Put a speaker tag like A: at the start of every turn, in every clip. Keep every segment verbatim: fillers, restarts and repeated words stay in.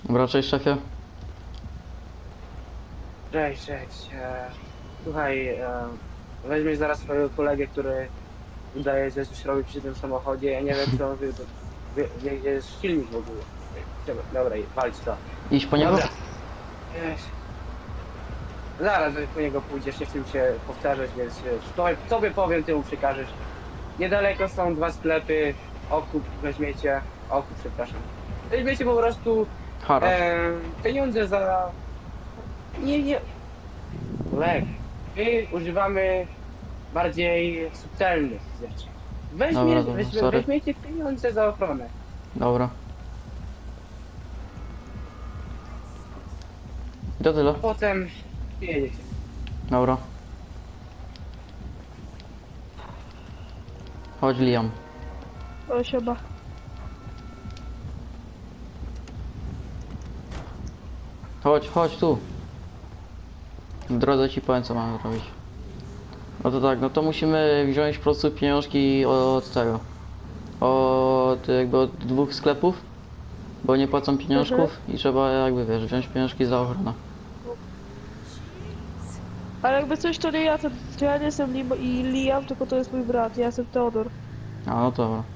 A: Dobra, cześć szefie.
B: Cześć, cześć. E, słuchaj, e, weźmiesz zaraz swojego kolegę, który udaje, że coś robi przy tym samochodzie. Ja nie wiem, czy on wie, wie, wie gdzie jest silnik w ogóle. Dobra, dobra, walcz to.
A: Idź po niego?
B: Dobra. Jeś. Zaraz po niego pójdziesz, nie chcę mi się powtarzać, więc wiesz, to, tobie powiem, ty mu przekażesz. Niedaleko są dwa sklepy, okup weźmiecie, okup, przepraszam. Weźmiecie po prostu
A: Haracz.
B: e, pieniądze za... Nie, nie... Lek. My używamy bardziej subtelnych rzeczy. Weźmie,
A: Dobra, dobra,
B: weźmie,
A: sorry.
B: weźmiecie pieniądze za ochronę.
A: Dobra. I to tyle.
B: Potem jedziecie.
A: Dobra. Chodź Liam.
C: O, siema.
A: Chodź, chodź tu. W drodze ci powiem co mamy zrobić. No to tak, no to musimy wziąć po prostu pieniążki od tego. Od jakby od dwóch sklepów. Bo nie płacą pieniążków i trzeba jakby wiesz, wziąć pieniążki za ochronę.
C: Ale jakby coś, to nie ja, to, to ja nie jestem Lim i Liam, tylko to jest mój brat, ja jestem Teodor.
A: A no to dobra.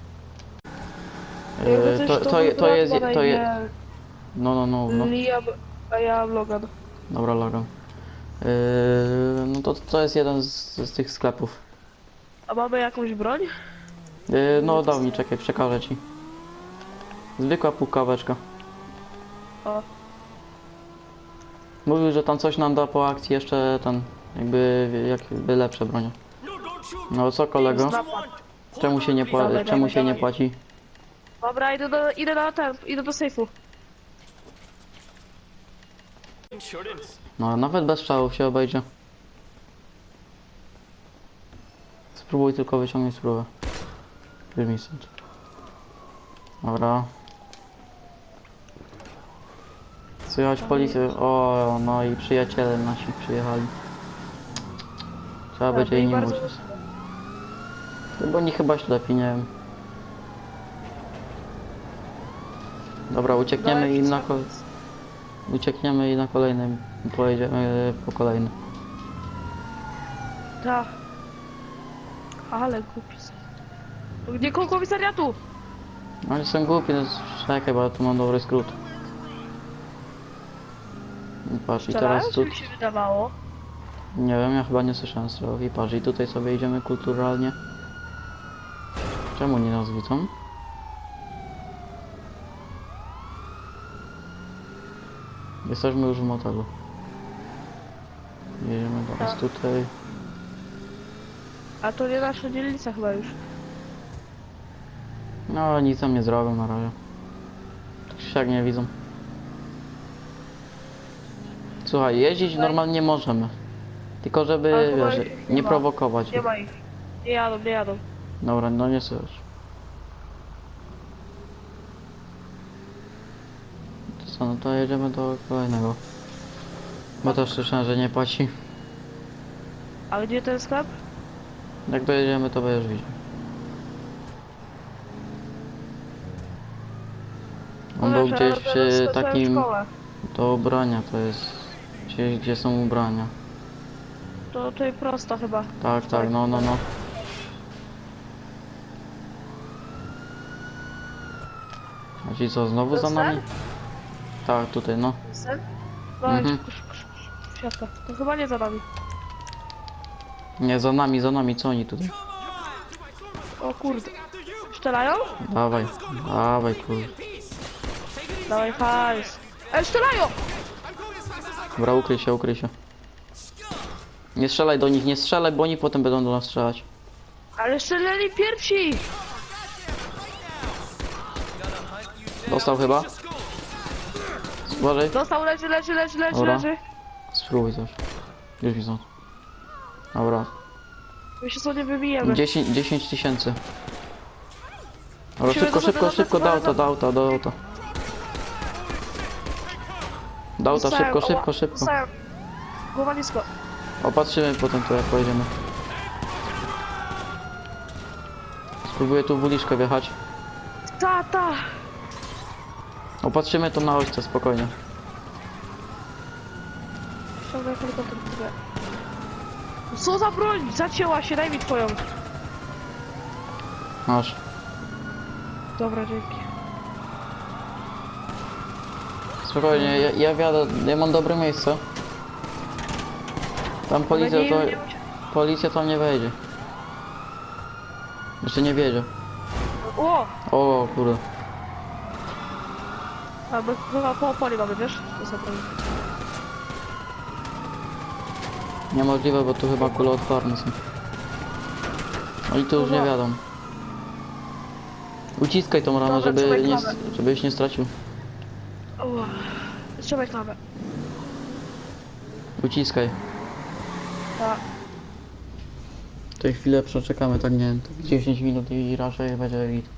C: Jakby
A: Yy,
C: coś,
A: to, to,
C: mój
A: je- to
C: brat
A: jest,
C: ma na
A: to jest,
C: imię
A: no no no, no.
C: Liam, a ja Logan.
A: Dobra, Logan. Yy, no to, to jest jeden z, z tych sklepów.
C: A mamy jakąś broń?
A: Yy, no dał mi, czekaj, przekażę ci. Zwykła pukaweczka.
C: O,
A: Mówił, że tam coś nam da po akcji jeszcze ten, jakby, jakby lepsze bronie. No co kolego?
C: napad.
A: Czemu się nie, pła
C: Dawaj,
A: czemu
C: dawaj,
A: się nie
C: dawaj.
A: płaci?
C: Dobra, idę do, idę na ten, idę do sejfu.
A: No nawet bez strzałów się obejdzie. Spróbuj tylko wyciągnąć spróbę. Wyjmij stąd. Dobra. Słychać policję. O, no i przyjaciele nasi przyjechali. Trzeba będzie
C: i
A: im
C: bardzo
A: uciec. Bo oni chyba ślepi, nie wiem. Dobra, uciekniemy i na kol... Uciekniemy i na kolejnym pojedziemy po kolejny.
C: Tak. Ale głupi są. Gdzie koło komisariatu?
A: Oni są głupi, no czekaj, bo ja tu mam dobry skrót. I patrz, i
C: Strzelają,
A: teraz
C: czy
A: tu...
C: mi się wydawało?
A: Nie wiem, ja chyba nie słyszałem strzałów. I patrz, i tutaj sobie idziemy kulturalnie. Czemu nie nas widzą? Jesteśmy już w motelu. Jedziemy teraz
C: Tak.
A: tutaj.
C: A to nie nasza dzielnica chyba już.
A: No, nic tam nie zrobią na razie. Tak się jak nie widzą. Słuchaj, jeździć normalnie możemy. Tylko
C: Ale
A: żeby,
C: chyba
A: wiesz,
C: ich nie
A: nie
C: ma.
A: prowokować.
C: Nie ma ich. Nie jadą, nie jadą.
A: Dobra, no nie słyszę. To co, no to jedziemy do kolejnego. Bo też słyszałem, że nie płaci.
C: A gdzie ten sklep?
A: Jak dojedziemy, to będziesz widział. On był
C: Wiesz,
A: gdzieś
C: ja
A: przy
C: skończyłem
A: takim...
C: szkołę.
A: Do ubrania to jest... Gdzieś, gdzie są ubrania.
C: To tutaj prosto chyba.
A: Tak, tak, no, no, no. A ci co, znowu za
C: To
A: nami? Tak, tutaj, no.
C: Sen? No
A: Mhm.
C: mhm. szybko, szybko, szybko. Siatka. To chyba nie za nami.
A: Nie, za nami, za nami, co oni tutaj?
C: O kurde. Strzelają?
A: Dawaj, dawaj, kurde.
C: Dawaj hajs. Ej, strzelają!
A: Dobra, ukryj się, ukryj się. Nie strzelaj do nich, nie strzelaj, bo oni potem będą do nas strzelać.
C: Ale strzelali pierwsi!
A: Dostał chyba? Uważaj.
C: Dostał, leży, leży, leży, leży,
A: Dobra.
C: leży.
A: Spróbuj coś. Już widzę. Dobra.
C: My się sobie wybijemy.
A: dziesięć tysięcy. Dobra,
C: Musimy
A: szybko,
C: do- do-
A: szybko,
C: do-
A: szybko, do
C: do-
A: auta, do auta, do auta. Do auta,
C: Dostałem,
A: szybko,
C: oła,
A: szybko, szybko.
C: dostałem. Głowa nisko.
A: Opatrzymy potem tu jak pojedziemy. Spróbuję tu w uliczkę wjechać.
C: Ta, ta.
A: Opatrzymy to na ośce, spokojnie.
C: Ściągaj helikopter, kurde. Co za broń? Zacięła się, daj mi twoją.
A: Masz.
C: Dobra, dzięki.
A: Spokojnie, ja, ja wiadę, ja mam dobre miejsce. Tam policja
C: nie,
A: to...
C: nie,
A: Policja tam nie wejdzie. Jeszcze nie wiedzie.
C: O!
A: O kurde.
C: A my chyba po opoli mamy, wiesz? To za broń.
A: Niemożliwe, bo tu chyba kuloodporne są. Oni tu już nie wiadą. Uciskaj tą ramę,
C: Dobra,
A: żeby
C: trzymaj
A: nie,
C: klamę.
A: żebyś nie stracił.
C: O! Trzymaj klamę.
A: Uciskaj.
C: Tak.
A: W tej chwilę przeczekamy, tak nie wiem, tak dziesięć minut i raczej będzie git.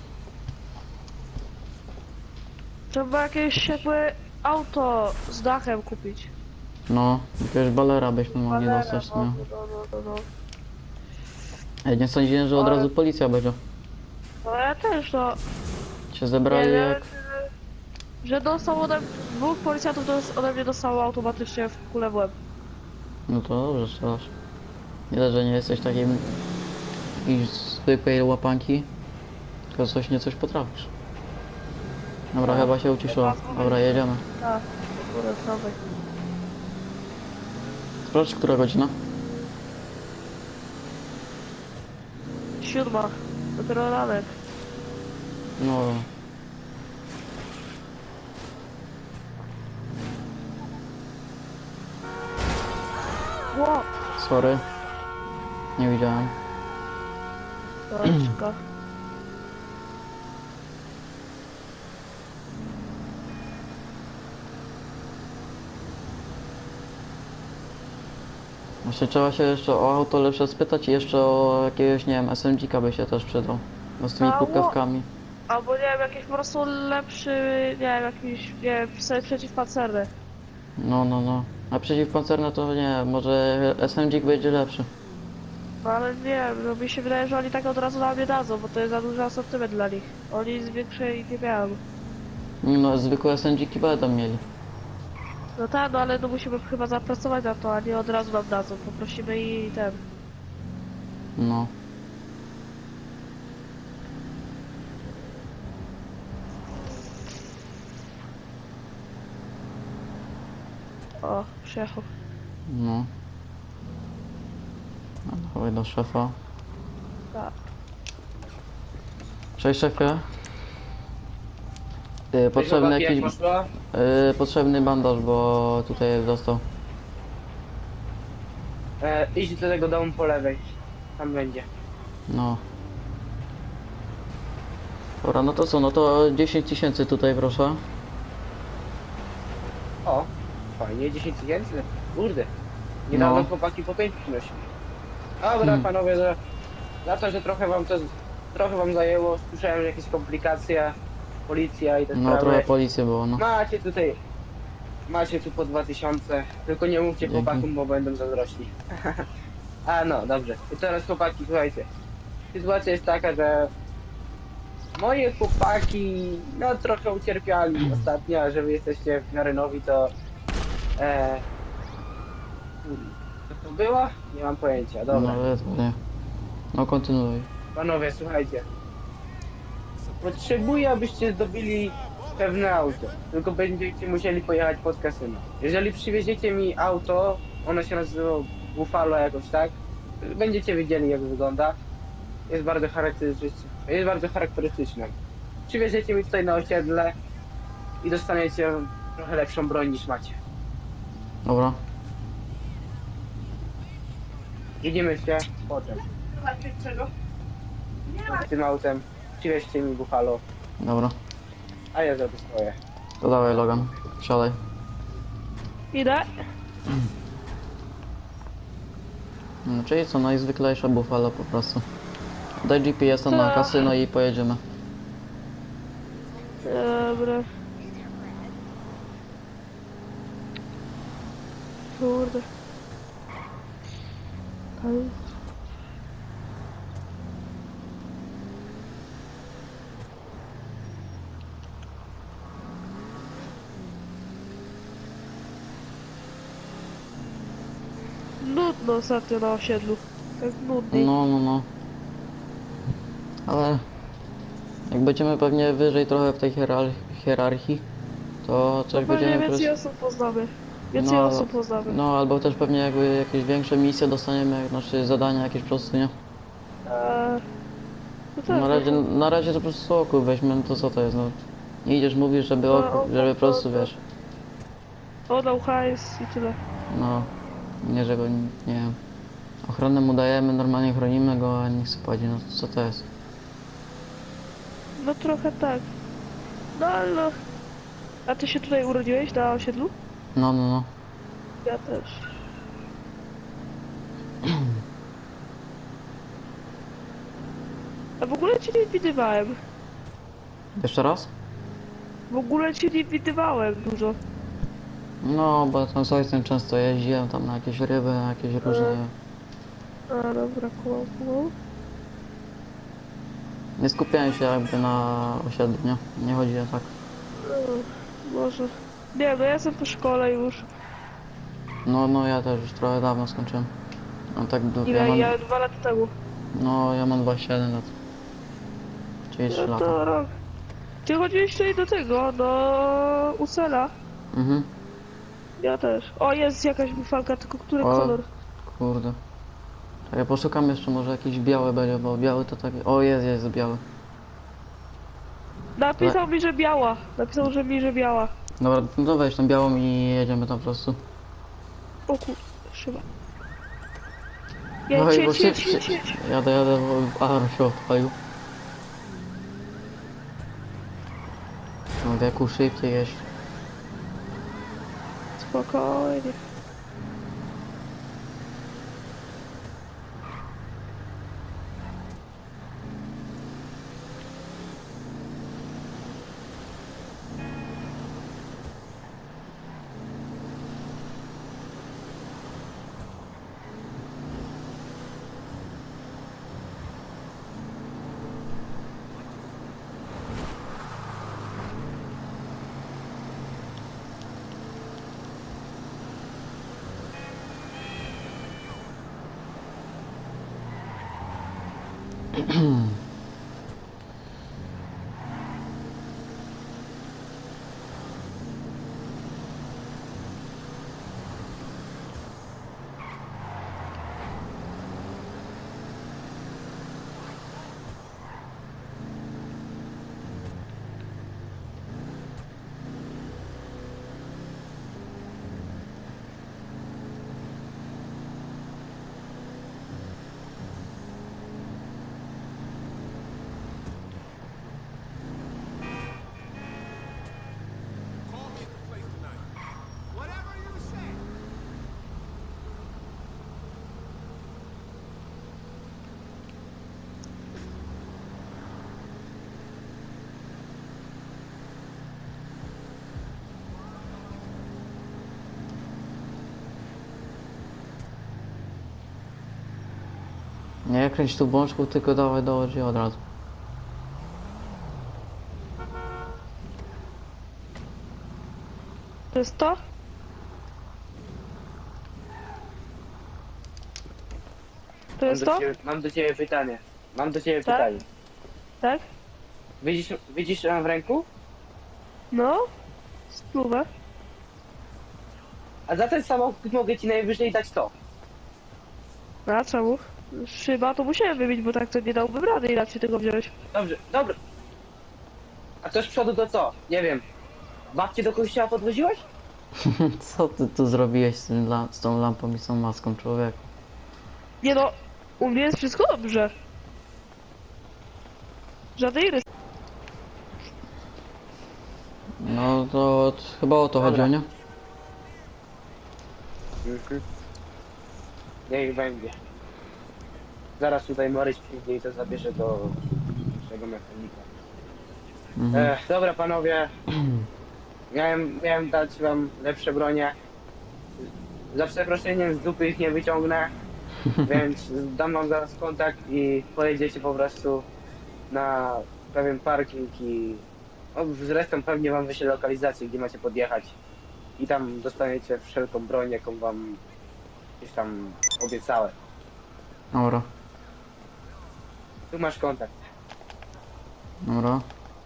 C: Trzeba jakieś jakby auto z dachem kupić.
A: No, jakiegoś balera byśmy mogli
C: Balera,
A: dostać,
C: no,
A: nie?
C: no, no, no, no.
A: Ja nie sądziłem, że od
C: Ale-
A: razu policja będzie.
C: No ja też, no.
A: Się zebrali
C: Nie,
A: jak...
C: że- Że dostał ode mnie, dwóch policjantów dos- ode mnie dostało automatycznie w kulę w łeb.
A: No to dobrze strzelasz. Widać, że nie jesteś takim... jakiejś zwykłej łapanki. Tylko coś nie coś potrafisz. Dobra,
C: No.
A: chyba się uciszyło. Dobra, jedziemy.
C: Tak, kurde, prawej.
A: Sprawdź, która godzina?
C: Siódma. Dopiero ranek.
A: No...
C: Ło!
A: Sorry. Nie widziałem.
C: Doczka.
A: Właśnie trzeba się jeszcze o auto lepsze spytać i jeszcze o jakiegoś, nie wiem, S M G-ka by się też przydał. No z tymi
C: Mało.
A: pukawkami.
C: Albo nie wiem, jakiś po prostu lepszy, nie wiem, jakiś, nie wiem, wstęp przeciwpancerny.
A: No, no, no. A przeciwpancerne to nie, może S M G będzie lepszy.
C: No ale nie wiem, no mi się wydaje, że oni tak od razu na mnie dadzą, bo to jest za duży asortyment dla nich. Oni z większej nie miałem.
A: No, zwykłe S M G-ki będą mieli.
C: No tak, no ale no musimy chyba zapracować na to, a nie od razu nam dadzą. Poprosimy i ten.
A: No.
C: O, przyjechał.
A: No. No, dawaj do szefa.
C: Tak.
A: Cześć szefie. Yy, potrzebny
B: Chłopaki, jak
A: jakiś...
B: poszło?
A: Yy, potrzebny bandaż, bo tutaj dostał.
B: E, idź do tego domu po lewej. Tam będzie.
A: No. Dobra, no to co, no to dziesięć tysięcy tutaj proszę.
B: O, fajnie, dziesięć tysięcy. Kurde. Niedawno
A: No.
B: chłopaki po pięć przynosili. Dobra,
A: Hmm.
B: panowie, za, za to, że trochę wam to trochę wam zajęło, słyszałem, że jakieś komplikacje, policja i te
A: No
B: sprawy.
A: trochę policji było, no.
B: Macie tutaj, macie tu po dwa tysiące, tylko nie mówcie
A: Dzięki.
B: chłopakom, bo będą zazdrośni. A no, dobrze. I teraz chłopaki, słuchajcie. Sytuacja jest taka, że moje chłopaki, no trochę ucierpiali ostatnio, a że wy jesteście w miarę nowi, to... E, co to było? Nie mam pojęcia, dobra.
A: No ledwo, nie. No kontynuuj.
B: Panowie, słuchajcie. Potrzebuję, abyście zdobyli pewne auto. Tylko będziecie musieli pojechać pod kasyno. Jeżeli przywieziecie mi auto, ono się nazywa Buffalo jakoś tak, będziecie wiedzieli jak wygląda. Jest bardzo charakterystyczne. Jest bardzo charakterystyczne. Przywieziecie mi tutaj na osiedle i dostaniecie trochę lepszą broń niż macie.
A: Dobra.
B: Widzimy się potem. Tym autem przywieźcie mi Buffalo,
A: Dobra.
B: a ja zrobię swoje.
A: To dawaj Logan. Siadaj.
C: Idę.
A: No, czyli co, najzwyklejsza Buffalo po prostu. Daj G P S-a na
C: To-
A: kasyno i pojedziemy.
C: Dobra. Kurde. Ej. nudno ostatnio na osiedlu. Tak nudniej.
A: No, no, no. Ale jak będziemy pewnie wyżej trochę w tej hierar- hierarchii, to
C: To
A: coś
C: pewnie
A: będziemy
C: więcej
A: pres-
C: osób poznamy. Więcej
A: No,
C: osób poznamy.
A: no albo też pewnie jakby jakieś większe misje dostaniemy, jak- znaczy zadania jakieś po prostu, nie?
C: Eee, no tak,
A: Na razie,
C: no tak.
A: na razie to po prostu oku weźmy, no to co to jest, no. Nie idziesz, mówisz, żeby
C: No,
A: oku,
C: oku,
A: żeby po prostu,
C: to-
A: wiesz,
C: Oddał hajs i tyle.
A: no, nie żeby, nie wiem, ochronę mu dajemy, normalnie chronimy go, a niech sobie płaci, no co to jest?
C: No trochę tak. No ale no. A ty się tutaj urodziłeś na osiedlu?
A: No, no, no.
C: Ja też. A w ogóle cię nie widywałem.
A: Jeszcze raz?
C: W ogóle cię nie widywałem dużo.
A: No, bo tam z ojcem często jeździłem tam na jakieś ryby, na jakieś różne...
C: A dobra, kumał, kumał.
A: Nie skupiałem się jakby na osiedlu, nie? Nie chodzi o tak.
C: No, może. Nie, no ja jestem po szkole już.
A: No, no ja też już trochę dawno skończyłem. No tak, du- ja
C: Ile?
A: mam,
C: Ja dwa lata temu.
A: no ja mam dwadzieścia jeden lat. Czyli trzy
C: No
A: lata.
C: to rok. Ty chodziłeś tutaj do tego, do Usela.
A: Mhm.
C: Ja też. O, jest jakaś bufalka, tylko który
A: O.
C: kolor?
A: Kurde. Tak, ja poszukam jeszcze, może jakiś biały będzie, bo biały to taki... O, jest, jest biały.
C: Napisał mi, że biała. Napisał, że mi, że biała.
A: Dobra, no to weź tą białą i jedziemy tam po prostu.
C: O kurde, szyba. Jedź,
A: Oj, bo
C: jedź,
A: się,
C: jedź,
A: się,
C: jedź, jedź.
A: jadę, jadę, bo alarm się odpalił. No wieku szybciej jeść.
C: Spokojnie.
D: Call me at the place tonight. Whatever you say.
A: Nie kręć tu bączku, tylko dawaj dołącz i od razu.
C: To jest to? To
B: Mam
C: jest
B: do,
C: to?
B: ciebie, mam do ciebie pytanie. Mam do ciebie
C: Tak?
B: pytanie.
C: Tak?
B: Widzisz, widzisz ją w ręku?
C: No? Spluwę.
B: A za ten samochód mogę ci najwyżej dać to.
C: A czemu? Szyba to musiałem wybić, bo tak to nie dałbym rady inaczej tego wziąć.
B: Dobrze, dobra. A to z przodu to co? Nie wiem. Babcię do kościoła podwoziłeś?
A: Co ty tu zrobiłeś z, tym, la- z tą lampą i z tą maską, człowiek?
C: Nie no, u mnie jest wszystko dobrze. Żadnej rys.
A: No to t- chyba o to
B: Dobra.
A: chodziło, nie?
B: Mhm. Niech będzie. Zaraz tutaj Maryś przyjdzie i to zabierze do naszego mechanika.
A: Mhm.
B: Ech, dobra panowie. Miałem, miałem dać wam lepsze bronie. Za przeproszeniem z dupy ich nie wyciągnę. Więc dam wam zaraz kontakt i pojedziecie po prostu na pewien parking i o, zresztą pewnie wam wyślę lokalizację, gdzie macie podjechać. I tam dostaniecie wszelką broń, jaką wam Gdzieś tam obiecałem.
A: Dobra,
B: Tu masz kontakt.
A: dobra.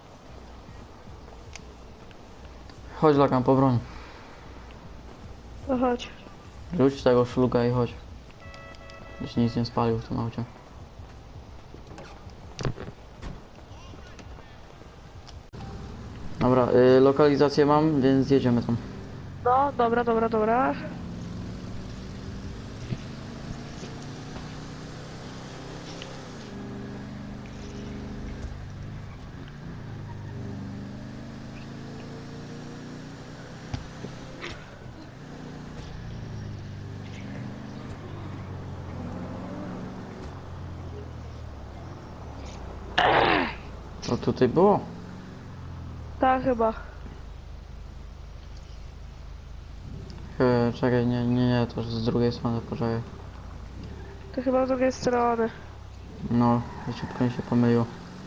A: Chodź Lakan po broń.
C: No chodź.
A: Rzuć tego szluga i chodź. Jeśli nic nie spalił w tym aucie. Dobra, y, lokalizację mam, więc jedziemy tam.
C: No, dobra, dobra, dobra.
A: To tutaj było?
C: Tak chyba.
A: E, czekaj, nie, nie, nie, to z drugiej strony, poczekaj.
C: To chyba z drugiej strony.
A: No, szybko mi się pomyliło.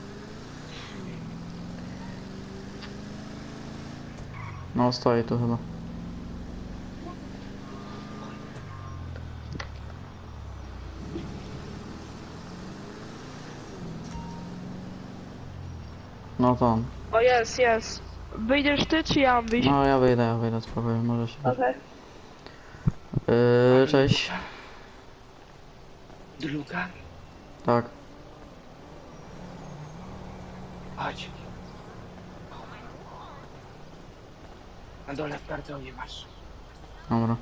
A: No, stoi tu chyba. No to on.
C: O, jest, jest. Wyjdziesz ty, czy ja mam wyjść?
A: No, ja wyjdę, ja wyjdę, spokojnie, może się...
C: Okej.
A: Yy, cześć.
B: Druga?
A: Tak.
B: Chodź. Na dole w kartonie masz.
A: Dobra,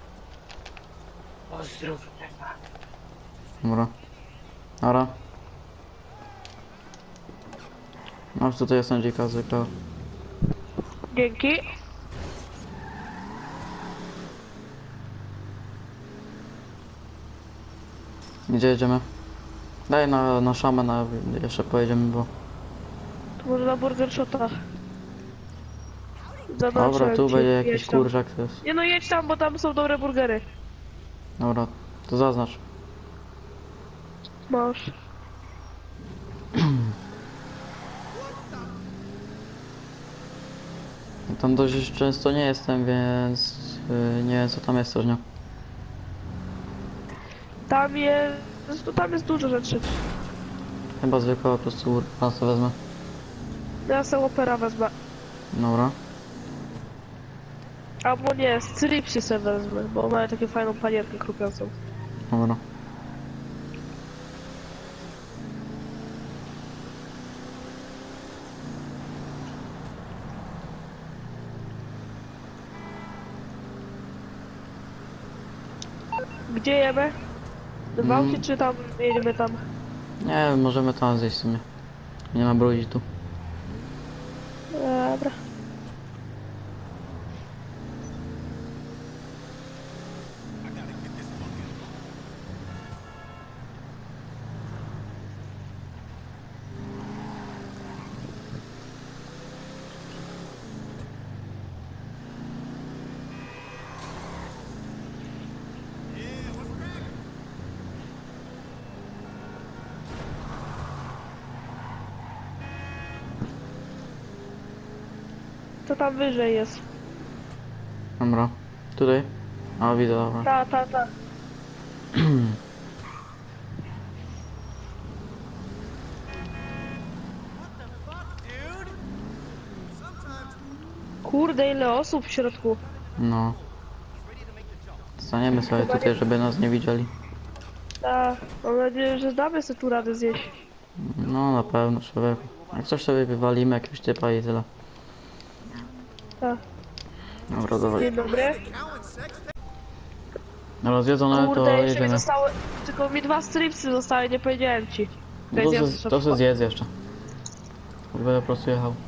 B: Pozdrów Ewa.
A: dobra. Dobra. Masz tutaj jest dzika zwykle.
C: Dzięki.
A: Gdzie jedziemy? Daj na, na szamę, na, jeszcze pojedziemy, bo...
C: To może na Burger Shota.
A: Dobra,
C: Zobaczę,
A: tu
C: czy
A: będzie jakiś
C: jedź tam.
A: kurczak, to jest.
C: Nie no, jedź tam, bo tam są dobre burgery.
A: Dobra, to zaznacz.
C: Masz.
A: Tam dość często nie jestem, więc yy, nie wiem co tam jest też, nie?
C: Tam jest... No tam jest dużo rzeczy.
A: Chyba zwykle po prostu pasę wezmę.
C: Ja sobie opera wezmę.
A: Dobra.
C: Albo nie, stripsy sobie wezmę, bo mają taką fajną panierkę krupiącą.
A: Dobra.
C: Gdzie jemy? W
A: Mm.
C: aucie czy tam jedziemy tam?
A: Nie, możemy tam zejść w sumie. Nie ma brudzić tu.
C: Dobra. To tam wyżej jest.
A: Dobra. Tutaj? A, widzę, dobra.
C: Ta, ta, ta.
D: Dude! Sometimes
C: Kurde, ile osób w środku.
A: No. Staniemy sobie tutaj, żeby nas nie widzieli.
C: Ta, mam nadzieję, że damy sobie tu radę zjeść.
A: No, na pewno, człowieku. Jak coś sobie wywalimy, jakiegoś typa i tyle.
C: Ta.
A: Dobra, dawaj.
C: Dzień dobry.
D: cow and sex
A: Dobra, zjedzone, to
C: Kurde, jeszcze mi
A: jedziemy.
C: zostały... Tylko mi dwa stripsy zostały, nie powiedziałem ci.
A: No to, se, to se zjedz jeszcze. Będę po prostu jechał.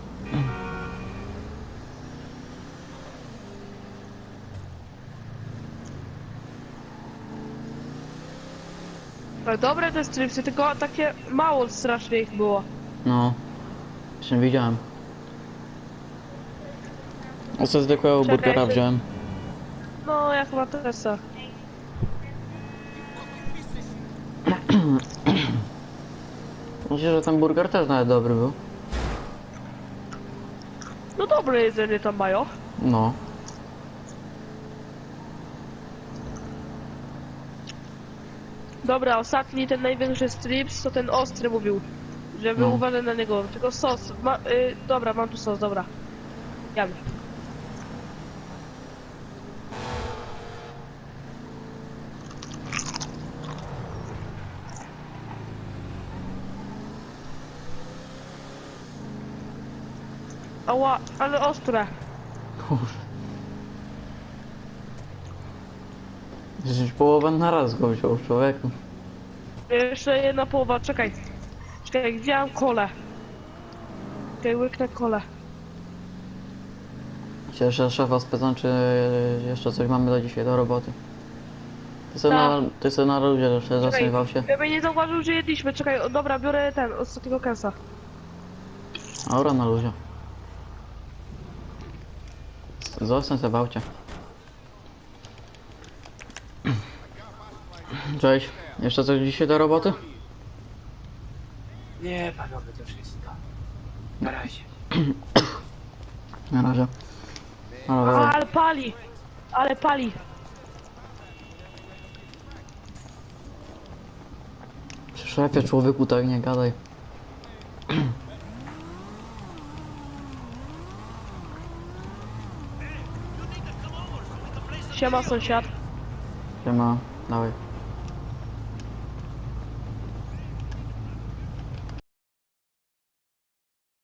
C: Ale dobre te stripsy, tylko takie mało strasznie ich było.
A: No. Jeszcze widziałem. Oce zwykłego
C: Czekaj,
A: burgera
C: ty-
A: wziąłem.
C: No, jak ma Teresa.
A: Myślę, że ten burger też nawet dobry był.
C: No dobre jedzenie tam mają.
A: No.
C: Dobra, ostatni, ten największy strips, to ten ostry mówił, żeby
A: No.
C: uważać na niego. Tylko sos, ma, y, dobra, mam tu sos, dobra. Jadę. Ała, ale ostre.
A: Kurde. Przecież połowę na raz go wziął, człowieku.
C: Jeszcze jedna połowa, czekaj. Czekaj, wziąłem kolę. Czekaj, łyknę kolę.
A: Się jeszcze szefa spytam, czy jeszcze coś mamy do dzisiaj, do roboty. Ty sobie
C: Tak.
A: na, ty sobie na ludzie jeszcze zasmiewał się.
C: Ja bym nie zauważył, że jedliśmy. Czekaj, o, dobra, biorę ten, ostatniego kęsa.
A: Aura na luzie. Zostań sobie bałcie. Cześć. Jeszcze coś dzisiaj do roboty?
B: Nie, panowie, to wszystko. Na razie.
A: Na razie. Ale
C: Ale pali! Ale pali!
A: przy szefie człowieku tak nie gadaj.
C: Siema sąsiad.
A: Siema, dawaj.